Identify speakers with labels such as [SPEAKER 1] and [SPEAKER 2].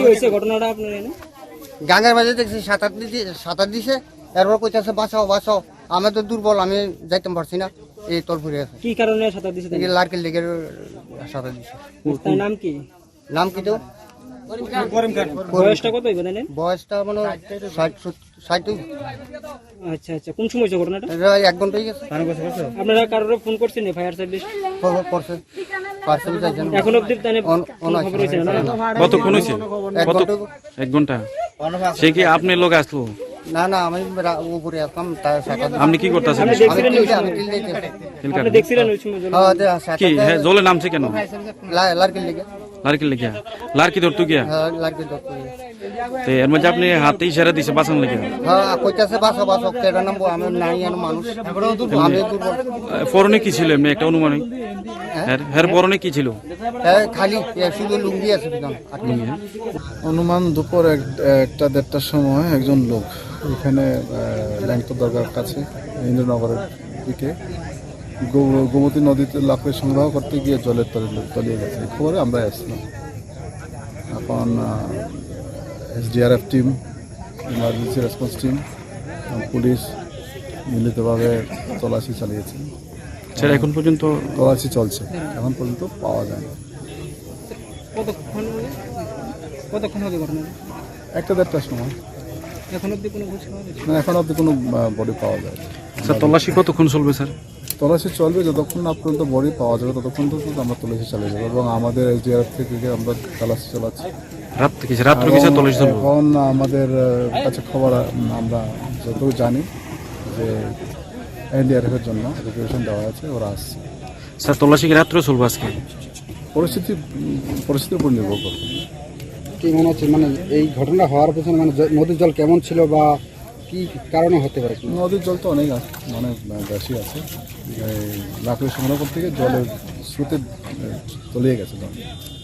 [SPEAKER 1] হয়েছে ঘটনাটা আপনার এখানে?
[SPEAKER 2] গাঙ্গের মাঝে দেখছি সাঁতার দিছে, এরপর কইতাছে বাঁচাও বাঁচাও, আমি তো দুর্বল, আমি যাইতে পারছি না, এই তল ফুরে আছে।
[SPEAKER 1] কি কারণে সাঁতার দিছে?
[SPEAKER 2] এই লার্কের লেগের সাঁতার দিছে।
[SPEAKER 1] তার নাম কি?
[SPEAKER 2] নাম কি তো?
[SPEAKER 1] বয়সটা কত হইবে জানেন?
[SPEAKER 2] বয়সটা মানে 60।
[SPEAKER 1] আচ্ছা আচ্ছা, কোন সময় হয়েছে ঘটনাটা?
[SPEAKER 2] 1 ঘন্টা হয়ে গেছে।
[SPEAKER 1] আপনারা কারোর ফোন করছেন ফায়ার সার্ভিস?
[SPEAKER 2] করছে পার্সেল চাইছেন।
[SPEAKER 1] এখন অবধি তাহলে কোনো খবর হয়েছে না?
[SPEAKER 3] কতক্ষণ হয়েছে?
[SPEAKER 2] 1 ঘন্টা।
[SPEAKER 3] 1 ঘন্টা। সে কি আপনার লোক আসলো?
[SPEAKER 2] না না, আমি উপরে আসলাম, তার সাঁতার
[SPEAKER 3] আপনি কি করতেছেন?
[SPEAKER 1] আপনি দেখছিলেন ওই সময়?
[SPEAKER 2] আমি টিল দিতেছি।
[SPEAKER 1] আপনি দেখছিলেন ওই সময় জল?
[SPEAKER 3] কি হ্যাঁ জলে নামছে কেন?
[SPEAKER 2] লার্কের লেগে।
[SPEAKER 3] লার্কি লেগিয়া? লার্কি ধরতো গিয়া?
[SPEAKER 2] লার্কের দত্ত।
[SPEAKER 3] তো এর মধ্যে আপনি হাতে ইশারা দিছে বাঁচান লেগে?
[SPEAKER 2] কইতাছে বাঁচাও বাঁচাও, কেডা নামবো, আমি নাই আর মানুষ, আমি দুর্বল।
[SPEAKER 3] পরনে কি ছিল এমনি একটা অনুমানিক? হ্যাঁ পরনে কি ছিল?
[SPEAKER 2] খালি শুধু লুঙ্গি আছে বিধান।
[SPEAKER 4] অনুমান দুপুর 1-1:30টার সময় একজন লোক এখানে ল্যাংটো দরগার কাছে ইন্দ্রনগরের দিকে গোমতী নদীতে লাফিয়ে সংগ্রহ করতে গিয়ে জলের তলিয়ে গেছে। এই খবরে আমরা আসলাম। এখন SDRF team, emergency response team, police মিলিতভাবে তল্লাশি চালিয়েছে।
[SPEAKER 3] স্যার এখন পর্যন্ত
[SPEAKER 4] তল্লাশি চলছে, এখন পর্যন্ত পাওয়া যায় না।
[SPEAKER 1] কতক্ষণ হবে ঘটনা?
[SPEAKER 4] 1-1:30টার সময়।
[SPEAKER 1] এখন অবধি কোনো খোঁজ পাওয়া গেছে?
[SPEAKER 4] না, এখন অব্দি কোনো বডি পাওয়া যায় না।
[SPEAKER 3] স্যার তল্লাশি কতক্ষণ চলবে স্যার?
[SPEAKER 4] তল্লাশি চলবে, যতক্ষণ না পর্যন্ত বডি পাওয়া যাবে ততক্ষণ তো আমরা তল্লাশি চালিয়ে যাবো, এবং আমাদের SDRF থেকে আমরা তল্লাশি চালাচ্ছি।
[SPEAKER 3] রাত্রে কি স্যার তল্লাশি চলবে?
[SPEAKER 4] এখন আমাদের কাছে খবর, আমরা যতটুকু জানি যে NDRF এর জন্য রিকুয়েশন দেওয়া আছে, ওরা আসছে।
[SPEAKER 3] স্যার তল্লাশি কি রাত্রে চলবে আজকে?
[SPEAKER 4] পরিস্থিতির উপর নির্ভর করবে।
[SPEAKER 5] কি মনে হচ্ছে, মানে এই ঘটনা হওয়ার পেছনে মানে নদীর জল কেমন ছিল বা কি কারণে হতে পারে?
[SPEAKER 4] নদীর জল তো অনেক মানে বেশি আছে, লাকড়ি সংগ্রহ করতে গিয়ে জলের স্রোতে তলিয়ে গেছে জল।